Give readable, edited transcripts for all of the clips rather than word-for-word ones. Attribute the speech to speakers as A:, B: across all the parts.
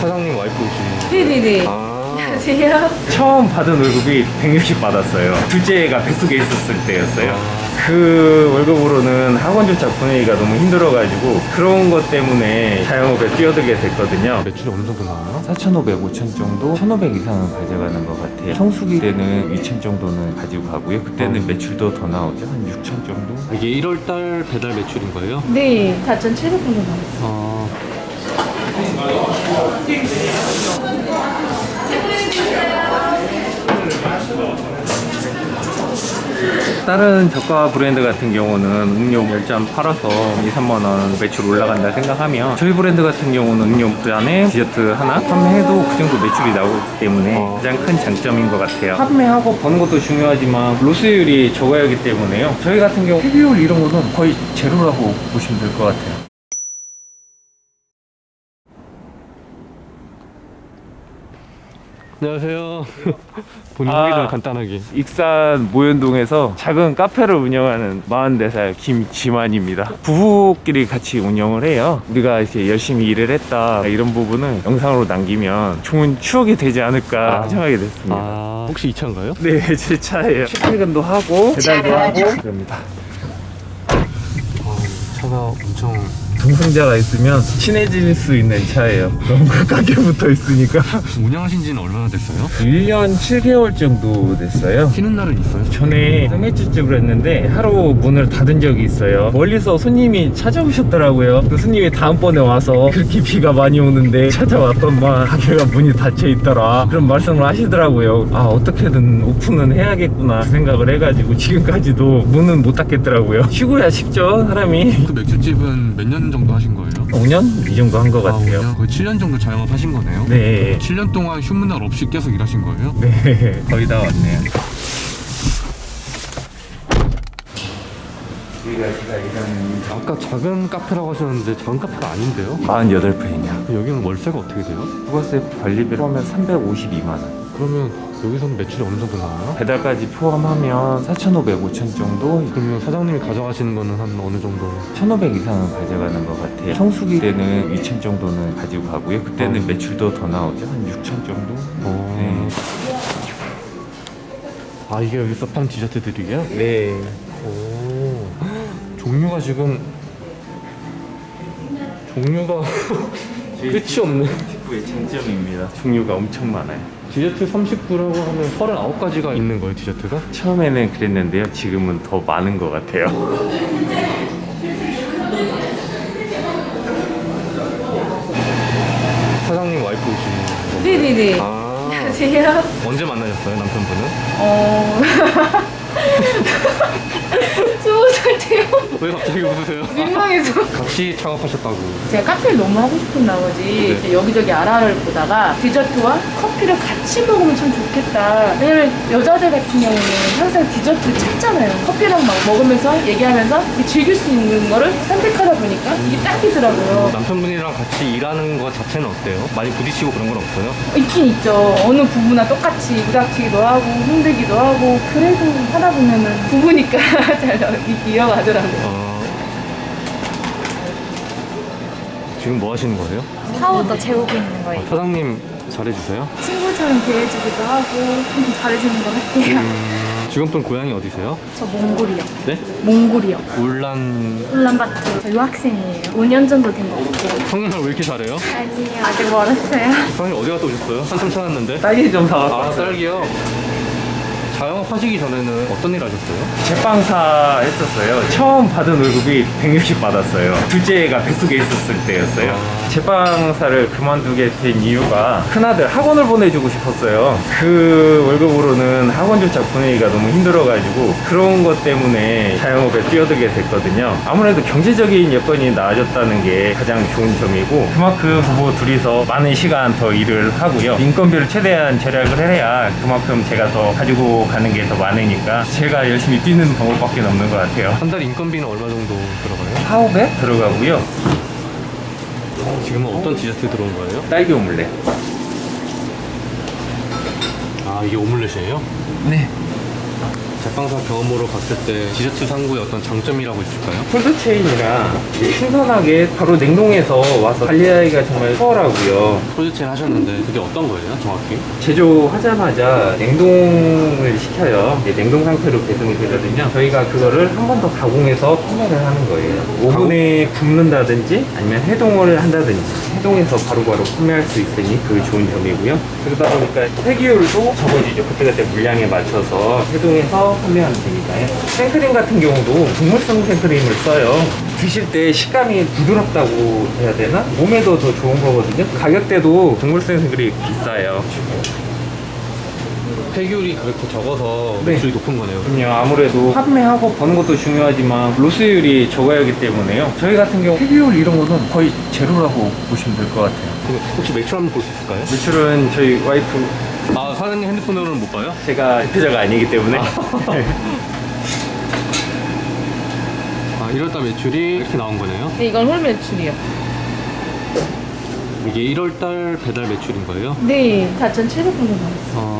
A: 사장님 와이프이신.
B: 네네네. 안녕하세요.
C: 처음 받은 월급이 160 받았어요. 둘째가 뱃속에 있었을 때였어요. 그 월급으로는 학원조차 보내기가 너무 힘들어가지고 그런 것 때문에 자영업에 뛰어들게 됐거든요.
A: 매출이 어느 정도 나와요?
C: 4,500, 5,000 정도? 1,500 이상은 가져가는 것 같아요. 성수기 때는 2,000 정도는 가지고 가고요. 그때는 매출도 더 나오죠. 한 6,000 정도?
A: 이게 1월달 배달 매출인 거예요?
B: 네, 4,700 정도 나왔어요.
A: 아,
C: 다른 저가 브랜드 같은 경우는 음료 10잔 팔아서 2, 3만원 매출 올라간다 생각하면 저희 브랜드 같은 경우는 음료 잔에 디저트 하나 판매해도 그 정도 매출이 나오기 때문에 가장 큰 장점인 것 같아요. 판매하고 버는 것도 중요하지만 로스율이 적어야 하기 때문에요. 저희 같은 경우 회비율 이런 거는 거의 제로라고 보시면 될 것 같아요.
A: 안녕하세요. 본인 소개 좀 간단하게.
C: 익산 모현동에서 작은 카페를 운영하는 44살 김지만입니다. 부부끼리 같이 운영을 해요. 우리가 이제 열심히 일을 했다 이런 부분을 영상으로 남기면 좋은 추억이 되지 않을까 생각하게 됐습니다.
A: 혹시 이 차인가요?
C: 네, 제 차예요. 출퇴근도 하고 배달도 하고 그럽니다.
A: 차가 엄청.
C: 동승자가 있으면 친해질 수 있는 차예요. 너무 가깝게 붙어 있으니까.
A: 운영하신 지는 얼마나 됐어요?
C: 1년 7개월 정도 됐어요.
A: 쉬는 날은 있어요?
C: 전에 소매치집을 했는데 하루 문을 닫은 적이 있어요. 멀리서 손님이 찾아오셨더라고요. 그 손님이 다음번에 와서 그렇게 비가 많이 오는데 찾아왔더만 가게가 문이 닫혀 있더라 그런 말씀을 하시더라고요. 아, 어떻게든 오픈은 해야겠구나 생각을 해가지고 지금까지도 문은 못 닫겠더라고요. 쉬고야 쉽죠 사람이.
A: 그 맥주집은 몇 년 정도 하신 거예요?
C: 5년? 이 정도 한 것 같아요.
A: 5년? 거의 7년 정도 자영업 하신 거네요?
C: 네.
A: 7년 동안 휴무 날 없이 계속 일하신 거예요?
C: 네, 거의 다 왔네요. 제가 일하는
A: 아까 작은 카페라고 하셨는데 작은 카페가 아닌데요?
C: 48평이냐.
A: 여기는 월세가 어떻게 돼요?
C: 부가세 관리비를 포함하면 352만 원.
A: 그러면 여기서는 매출이 어느 정도 나와요?
C: 배달까지 포함하면 4,500, 5,000 정도?
A: 그러면 사장님이 가져가시는 거는 한 어느 정도?
C: 1,500 이상은 가져가는 것 같아요. 성수기 때는 2,000 정도는 가지고 가고요. 그때는 매출도 더 나오죠. 한 6,000 정도? 네.
A: 아, 이게 여기서 파는 디저트들이에요?
C: 네.
A: 오. 종류가 지금 종류가 끝이 없네.
C: 식구의 장점입니다. 종류가 엄청 많아요.
A: 디저트 39라고 하면 39가지가 있는 거예요, 디저트가?
C: 처음에는 그랬는데요. 지금은 더 많은 것 같아요.
A: 사장님 와이프이신 거예요?
B: 네네네. 안녕하세요.
A: 언제 만나셨어요, 남편분은?
B: 20살 때요?
A: 왜 갑자기 웃으세요?
B: 민망해서.
A: 같이 창업하셨다고.
B: 제가 카페를 너무 하고 싶은 나머지
A: 네.
B: 여기저기 알아보다가 디저트와 커피를 같이 먹으면 참 좋겠다. 왜냐면 여자들 같은 경우는 항상 디저트 찾잖아요. 커피랑 막 먹으면서 얘기하면서 이렇게 즐길 수 있는 거를 선택하다 보니까 이게 딱이더라고요.
A: 남편분이랑 같이 일하는 거 자체는 어때요? 많이 부딪히고 그런 건 없어요?
B: 있긴 있죠. 어느 부부나 똑같이 부닥치기도 하고 힘들기도 하고 그래도 하다 보면은 부부니까 잘 이어가더라고요.
A: 지금 뭐 하시는 거예요?
D: 파우더 재우고 있는 거예요.
A: 사장님 잘해주세요?
D: 친구처럼 대해주기도 하고 엄청 잘해주는 것 같아요.
A: 직원분 고향이 어디세요?
D: 저 몽골이요.
A: 네?
D: 몽골이요.
A: 울란...
D: 울란바토. 저 유학생이에요. 5년 정도 된 것 같아요.
A: 성인을 왜 이렇게 잘해요?
D: 아니요. 아직 멀었어요.
A: 사장님 어디 갔다 오셨어요? 한참 찾았는데.
C: 딸기 좀 사왔어요.
A: 아, 딸기요? 자영업 하시기 전에는 어떤 일 하셨어요?
C: 제빵사 했었어요. 처음 받은 월급이 160 받았어요. 둘째가 뱃속에 있었을 때였어요. 제빵사를 그만두게 된 이유가 큰아들 학원을 보내주고 싶었어요. 그 월급으로는 학원조차 보내기가 너무 힘들어가지고 그런 것 때문에 자영업에 뛰어들게 됐거든요. 아무래도 경제적인 여건이 나아졌다는 게 가장 좋은 점이고 그만큼 부부 둘이서 많은 시간 더 일을 하고요. 인건비를 최대한 절약을 해야 그만큼 제가 더 가지고 가는 게 더 많으니까 제가 열심히 뛰는 방법밖에 없는 것 같아요.
A: 한 달 인건비는 얼마 정도 들어가요?
C: 4,500 들어가고요.
A: 지금은 어떤 디저트 들어온 거예요?
C: 딸기 오믈렛.
A: 아, 이게 오믈렛이에요?
C: 네.
A: 제빵사 경험으로 봤을 때 디저트 상구의 어떤 장점이라고 있을까요?
C: 콜드체인이라 신선하게 바로 냉동해서 와서 관리하기가 정말 수월하고요.
A: 콜드체인 하셨는데 그게 어떤 거예요, 정확히?
C: 제조하자마자 냉동을 시켜요. 이제 냉동 상태로 배송이 되거든요. 저희가 그거를 한 번 더 가공해서 판매를 하는 거예요. 오븐에 굽는다든지 아니면 해동을 한다든지 해동해서 바로바로 판매할 수 있으니 그게 좋은 점이고요. 그러다 보니까 폐기율도 적어지죠. 그때그때 물량에 맞춰서 해동해서 판매하면 되니까요. 생크림 같은 경우도 동물성 생크림을 써요. 드실 때 식감이 부드럽다고 해야 되나? 몸에도 더 좋은 거거든요. 가격대도 동물성 생크림이 비싸요.
A: 폐기율이 그렇게 적어서
C: 네.
A: 매출이 높은 거네요.
C: 그럼요. 아무래도 판매하고 버는 것도 중요하지만 로스율이 적어야 하기 때문에요. 저희 같은 경우 폐기율 이런 거는 거의 제로라고 보시면 될 것 같아요.
A: 그럼 혹시 매출 한번 볼 수 있을까요?
C: 매출은 저희 와이프,
A: 아, 사장님 핸드폰으로는 못 봐요?
C: 제가 대표자가 아니기 때문에
A: 아, 1월달 매출이 이렇게 나온 거네요.
B: 네, 이건 홀 매출이요.
A: 이게 1월달 배달 매출인 거예요?
B: 네, 4,700원 정도 나왔어요.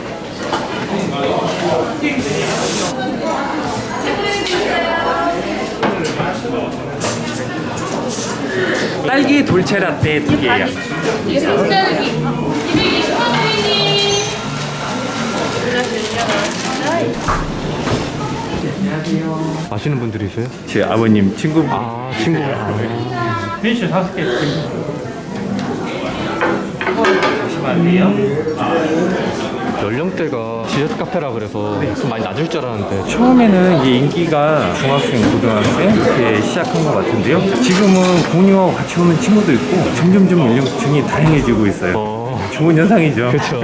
C: 딸기 돌체라떼 2개요.
B: 이게 산딸기. 220원이니.
A: 아시는 분들이세요?
C: 제 아버님 친구.
A: 아, 친구.
C: 피니쉬 5개 보시면 안 돼요.
A: 연령대가 디저트 카페라 그래서 좀 많이 낮을 줄 알았는데
C: 처음에는 이게 인기가 중학생, 고등학생 이렇게 시작한 것 같은데요. 지금은 부모님하고 같이 오는 친구도 있고 점점점 연령층이 다양해지고 있어요. 좋은 현상이죠.
A: 그렇죠.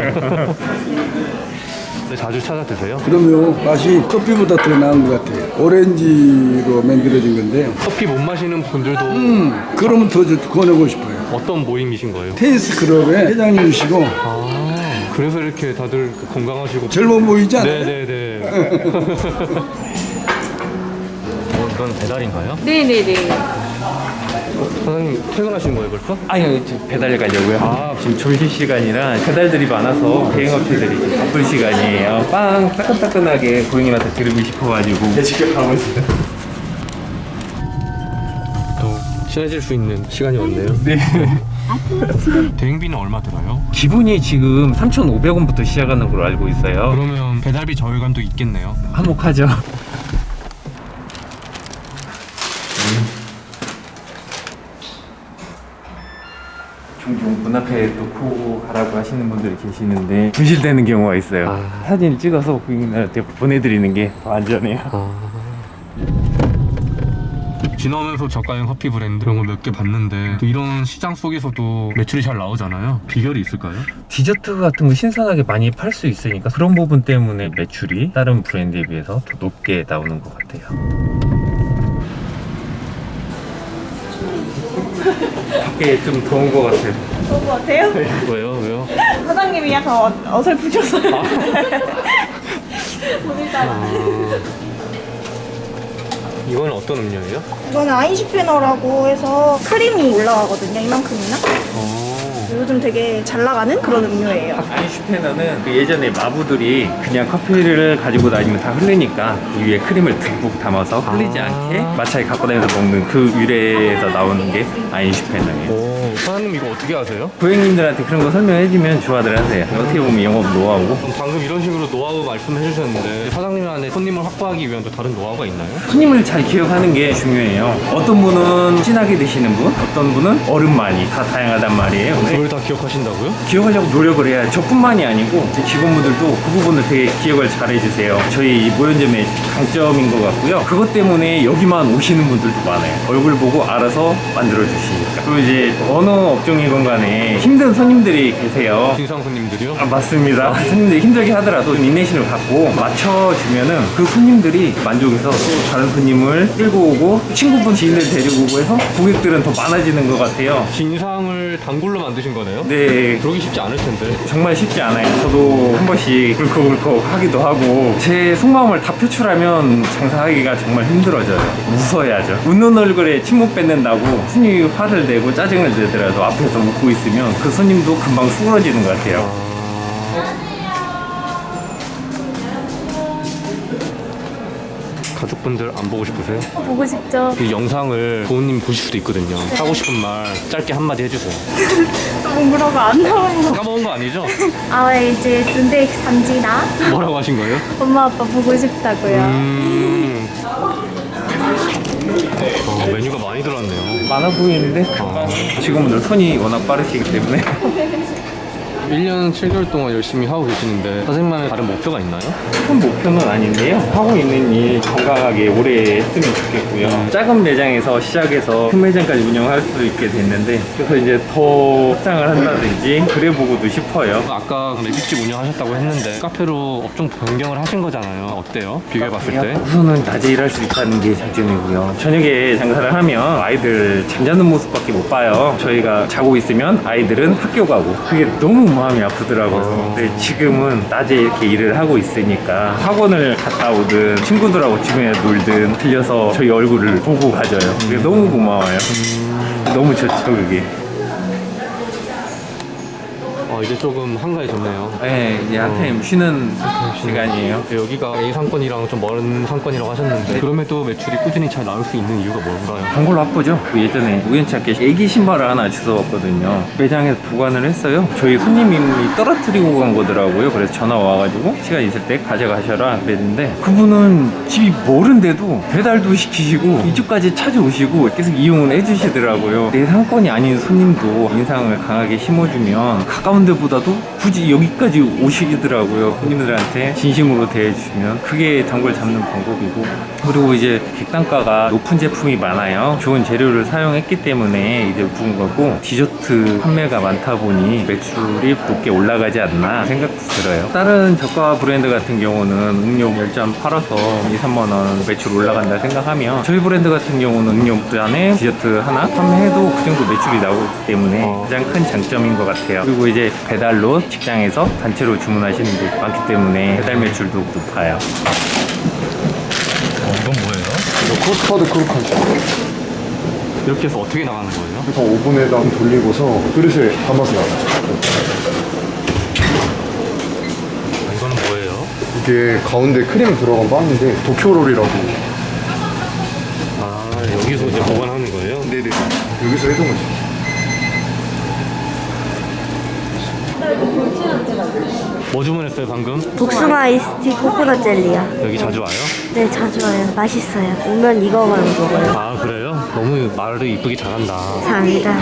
A: 자주 찾아 드세요?
E: 그럼요. 맛이 커피보다 더 나은 것 같아요. 오렌지로 만들어진 건데요.
A: 커피 못 마시는 분들도
E: 그러면 더 권하고 싶어요.
A: 어떤 모임이신 거예요?
E: 테니스 클럽의 회장님이시고
A: 그래서 이렇게 다들 건강하시고
E: 젊어 보이지 않아요?
A: 네네네. 이건 배달인가요?
B: 네네네.
A: 사장님 퇴근하신 거예요 벌써?
C: 아니요, 저 배달 가려고요. 지금 점심시간이라 배달들이 많아서 대행업체들이 지금 바쁜 시간이에요. 빵 따끈따끈하게 고객님한테 드리고 싶어가지고 지금 가고 있어요.
A: 또 친해질 수 있는 시간이 왔네요.
C: 네.
A: 대행비는 얼마 들어요?
C: 기본이 지금 3,500원부터 시작하는 걸로 알고 있어요.
A: 그러면 배달비 저희간도 있겠네요.
C: 한몫하죠. 종종 문 앞에 놓고 가라고 하시는 분들이 계시는데 분실되는 경우가 있어요. 사진 찍어서 고객님한테 보내드리는 게 더 안전해요.
A: 지나오면서 저가형 커피 브랜드 이런 거 몇 개 봤는데 또 이런 시장 속에서도 매출이 잘 나오잖아요. 비결이 있을까요?
C: 디저트 같은 거 신선하게 많이 팔 수 있으니까 그런 부분 때문에 매출이 다른 브랜드에 비해서 더 높게 나오는 것 같아요. 밖에 좀 더운 것 같아요.
D: 좋은 것 같아요?
A: 왜요? 왜요?
D: 사장님이 약간 어설프셔서요.
A: 이건 어떤 음료예요?
D: 이거는 아인슈페너라고 해서 크림이 올라가거든요. 이만큼이나. 요즘 되게 잘 나가는 그런 음료예요.
C: 아인슈페너는 그 예전에 마부들이 그냥 커피를 가지고 다니면 다 흘리니까 그 위에 크림을 듬뿍 담아서 흘리지 않게 마차에 갖고 다니면서 먹는 그 유래에서 나오는 게 아인슈페너예요.
A: 사장님 이거 어떻게 하세요?
C: 고객님들한테 그런 거 설명해주면 좋아들 하세요. 어떻게 보면 영업 노하우고.
A: 방금 이런 식으로 노하우 말씀해 주셨는데 사장님 안에 손님을 확보하기 위한 또 다른 노하우가 있나요?
C: 손님을 잘 기억하는 게 중요해요. 어떤 분은 진하게 드시는 분, 어떤 분은 얼음 많이 다 다양하단 말이에요. 근데
A: 그걸 다 기억하신다고요?
C: 기억하려고 노력을 해야 저뿐만이 아니고 제 직원분들도 그 부분을 되게 기억을 잘 해주세요. 저희 모연점의 강점인 것 같고요. 그것 때문에 여기만 오시는 분들도 많아요. 얼굴 보고 알아서 만들어주시니까. 그리고 이제 어느 업종이건 간에 힘든 손님들이 계세요.
A: 진상 손님들이요?
C: 맞습니다. 손님들이 힘들게 하더라도 인내심을 갖고 맞춰주면은 그 손님들이 만족해서 또 다른 손님을 끌고 오고 친구분 지인들 데리고 오고 해서 고객들은 더 많아지는 것 같아요.
A: 진상을 단골로 만드신 거네요?
C: 네,
A: 그러기 쉽지 않을 텐데.
C: 정말 쉽지 않아요. 저도 한 번씩 울컥울컥 하기도 하고 제 속마음을 다 표출하면 장사하기가 정말 힘들어져요. 웃어야죠. 웃는 얼굴에 침묵 뱉는다고 손님이 화를 내고 짜증을 내더라도 앞에서 웃고 있으면 그 손님도 금방 수그러지는 것 같아요.
A: 가족분들 안 보고 싶으세요?
F: 보고 싶죠.
A: 이 영상을 부모님 보실 수도 있거든요. 하고 싶은 말 짧게 한마디 해주세요.
F: 너무 뭐라고 안 나와요.
A: 까먹은 거 아니죠?
F: 아 이제 군대 삼지나
A: 뭐라고 하신 거예요?
F: 엄마 아빠 보고 싶다고요.
A: 메뉴가 많이 들어왔네요.
C: 많아 보이는데 금방 직원분들 손이 워낙 빠르시기 때문에
A: 1년 7개월 동안 열심히 하고 계시는데 선생님만의 다른 목표가 있나요?
C: 큰 목표는 아닌데요. 하고 있는 일 건강하게 오래 했으면 좋겠고요. 작은 매장에서 시작해서 큰 매장까지 운영할 수 있게 됐는데 그래서 이제 더 확장을 한다든지 그래보고도 싶어요.
A: 아까 매직집 운영하셨다고 했는데 카페로 업종 변경을 하신 거잖아요. 어때요? 비교해봤을 때?
C: 우선은 낮에 일할 수 있다는 게 장점이고요. 저녁에 장사를 하면 아이들 잠자는 모습밖에 못 봐요. 저희가 자고 있으면 아이들은 학교 가고 그게 너무 마음이 아프더라고요. 근데 지금은 낮에 이렇게 일을 하고 있으니까 학원을 갔다 오든 친구들하고 주변에 놀든 들려서 저희 얼굴을 보고 가져요. 그게 너무 고마워요. 너무 좋죠 그게.
A: 이제 조금 한가해졌네요.
C: 네, 이제 한템 쉬는 시간이에요.
A: 여기가 A 상권이랑 좀 먼 상권이라고 하셨는데 그럼에도 매출이 꾸준히 잘 나올 수 있는 이유가 뭔가요?
C: 단골 바쁘죠? 예전에 우연찮게 애기 신발을 하나 주워왔거든요. 매장에서 보관을 했어요. 저희 손님이 떨어뜨리고 간 거더라고요. 그래서 전화 와가지고 시간 있을 때 가져가셔라 그랬는데 그분은 집이 멀은데도 배달도 시키시고 이쪽까지 찾아오시고 계속 이용을 해주시더라고요. 내 상권이 아닌 손님도 인상을 강하게 심어주면 가까운 데보다도 굳이 여기까지 오시더라고요. 손님들한테 진심으로 대해주시면 그게 단골 잡는 방법이고, 그리고 이제 객단가가 높은 제품이 많아요. 좋은 재료를 사용했기 때문에 이제 높은 거고, 디저트 판매가 많다 보니 매출이 높게 올라가지 않나 생각도 들어요. 다른 저가 브랜드 같은 경우는 음료 10잔 팔아서 2, 3만 원 매출 올라간다 생각하면, 저희 브랜드 같은 경우는 음료 2잔에 디저트 하나 판매해도 그 정도 매출이 나오기 때문에 가장 큰 장점인 것 같아요. 그리고 이제 배달로 직장에서 단체로 주문하시는 분 많기 때문에 배달 매출도 높아요.
A: 이건 뭐예요?
E: 커스터드 크루칸치.
A: 이렇게 해서 어떻게 나가는 거예요?
E: 그래서 오븐에다 돌리고서 그릇에 담아서 나가요.
A: 이거는 뭐예요?
E: 이게 가운데 크림 들어간 빵인데 도쿄롤이라고.
A: 여기서 이제 보관하는 거예요?
E: 네네. 여기서 해둔 거죠.
A: 뭐 주문했어요 방금?
G: 복숭아 아이스티 코코넛 젤리요.
A: 여기 자주 와요?
G: 네, 자주 와요. 맛있어요. 오면 이거만 먹어요.
A: 아 그래요? 너무 말을 이쁘게 잘한다.
G: 감사합니다.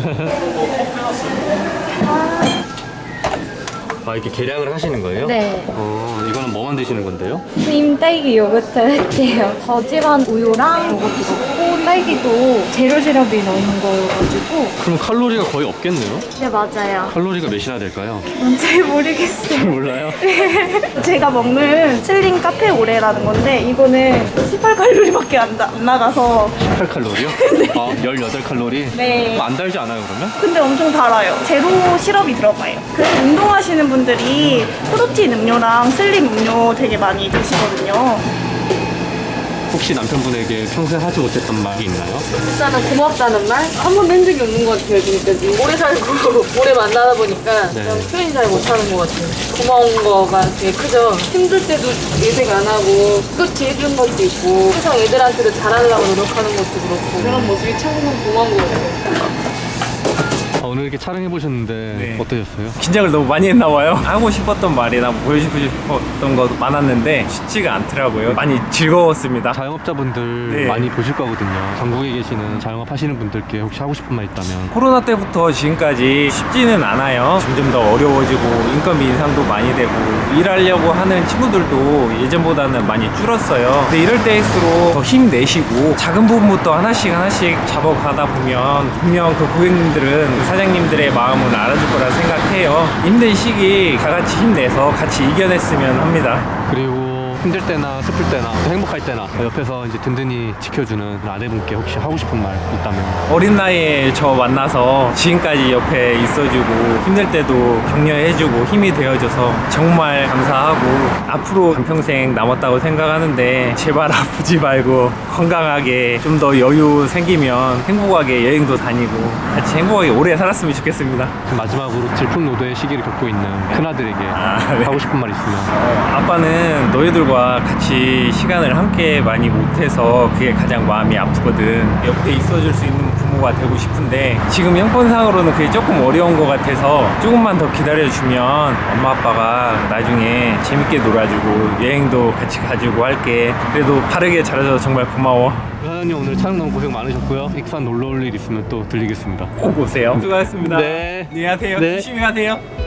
A: 이렇게 계량을 하시는 거예요?
F: 네.
A: 이거는 뭐 만드시는 건데요?
F: 크림 딸기 요거트 할게요. 저지방 우유랑 요거트 넣고 딸기도 제로 시럽이 넣는 거여가지고.
A: 그럼 칼로리가 거의 없겠네요?
G: 네, 맞아요.
A: 칼로리가 몇이나 될까요?
F: 잘 모르겠어요.
A: 몰라요?
D: 제가 먹는 슬링 카페 오레라는 건데 이거는 18칼로리밖에 안 나가서
A: 18칼로리요? 18칼로리?
D: 네.
A: 안 달지 않아요 그러면?
D: 근데 엄청 달아요. 제로 시럽이 들어가요. 그래서 운동하시는 분들이 프로틴 음료랑 슬림 음료 되게 많이 드시거든요.
A: 혹시 남편분에게 평소에 하지 못했던 말이 있나요?
B: 일단은 고맙다는 말? 한 번도 한 적이 없는 것 같아요, 지금까지. 오래 살고, 오래 만나다 보니까
A: 네.
B: 그냥 표현이 잘 못하는 것 같아요. 고마운 거가 되게 크죠. 힘들 때도 예색 안 하고, 끝이 해준 것도 있고, 항상 애들한테도 잘하려고 노력하는 것도 그렇고, 그런 모습이 참 고마운 것 같아요.
A: 오늘 이렇게 촬영해 보셨는데
C: 네.
A: 어떠셨어요?
C: 긴장을 너무 많이 했나 봐요. 하고 싶었던 말이나 보여주고 싶었던 것도 많았는데 쉽지가 않더라고요. 많이 즐거웠습니다.
A: 자영업자분들
C: 네.
A: 많이 보실 거거든요. 전국에 계시는 자영업 하시는 분들께 혹시 하고 싶은 말 있다면?
C: 코로나 때부터 지금까지 쉽지는 않아요. 점점 더 어려워지고 인건비 인상도 많이 되고 일하려고 하는 친구들도 예전보다는 많이 줄었어요. 근데 이럴 때일수록 더 힘내시고 작은 부분부터 하나씩 잡아가다 보면 분명 그 고객님들은 그 사장님들의 마음을 알아줄 거라 생각해요. 힘든 시기 다 같이 힘내서 같이 이겨냈으면 합니다.
A: 그리고 힘들 때나 슬플 때나 또 행복할 때나 옆에서 이제 든든히 지켜주는 아내분께 혹시 하고 싶은 말 있다면?
C: 어린 나이에 저 만나서 지금까지 옆에 있어주고 힘들 때도 격려해주고 힘이 되어줘서 정말 감사하고 앞으로 한평생 남았다고 생각하는데 제발 아프지 말고 건강하게 좀 더 여유 생기면 행복하게 여행도 다니고 같이 행복하게 오래 살았으면 좋겠습니다.
A: 마지막으로 질풍노도의 시기를 겪고 있는 큰아들에게
C: 네.
A: 하고 싶은 말 있으면?
C: 아빠는 너희들과 가족들과 같이 시간을 함께 많이 못해서 그게 가장 마음이 아프거든. 옆에 있어줄 수 있는 부모가 되고 싶은데 지금 형편상으로는 그게 조금 어려운 것 같아서 조금만 더 기다려주면 엄마 아빠가 나중에 재밌게 놀아주고 여행도 같이 가지고 할게. 그래도 바르게 잘해줘서 정말 고마워.
A: 사장님 오늘 촬영 너무 고생 많으셨고요. 익산 놀러 올 일 있으면 또 들리겠습니다.
C: 꼭 오세요. 수고하셨습니다.
A: 네.
C: 안녕하세요.
A: 네.
C: 조심히 가세요.